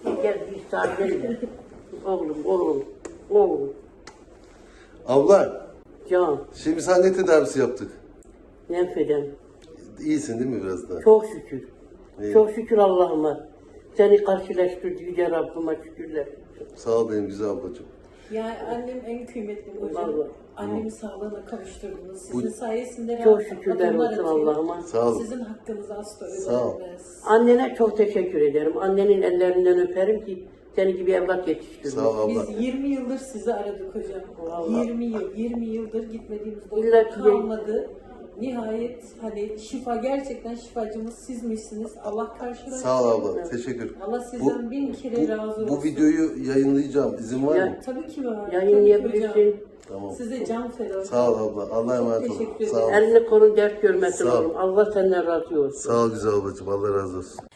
Gel bir saat gel. Oğlum. Abla, Can, şimdi sana ne tedavisi yaptık? nefeden. İyisin değil mi biraz daha? Çok şükür. İyi. Çok şükür Allah'ıma. Seni karşılaştırdı Yüce Rabbime şükürler. Sağ ol benim güzel ablacığım. Yani annem en kıymetli hocam. Vallahi. Annemi sağlığına kavuşturdunuz. Bu- Sizin sayesinde Çok rahat şükürler adımlar olsun atıyor. Allah'ıma. Sağ ol. Sizin hakkınızı asla Sağ ol. ödemez. Annene çok teşekkür ederim. Annenin ellerinden öperim ki seni gibi evlat yetiştirdim. Sağ ol abla. Biz 20 yıldır sizi aradık hocam. Vallahi. 20 yıldır gitmediğimiz İlla doktor ki- kalmadı. Nihayet hani şifa, gerçekten şifacımız sizmişsiniz. Allah karşılaştırsın. Sağ ol abla. Teşekkür. Allah sizden bin kere razı olsun. Bu videoyu yayınlayacağım. İzin var mı? Ya- Tabii ki var. Yayınlayabilirsin. Tabii ki hocam. Tamam. Size can feda. Sağ ol abla. Allah'a emanet ol. Teşekkür Sağ ol. Elini kolun dert görmesin Sağ ol. oğlum. Allah senden razı olsun. Sağ ol güzel ablacığım. Allah razı olsun.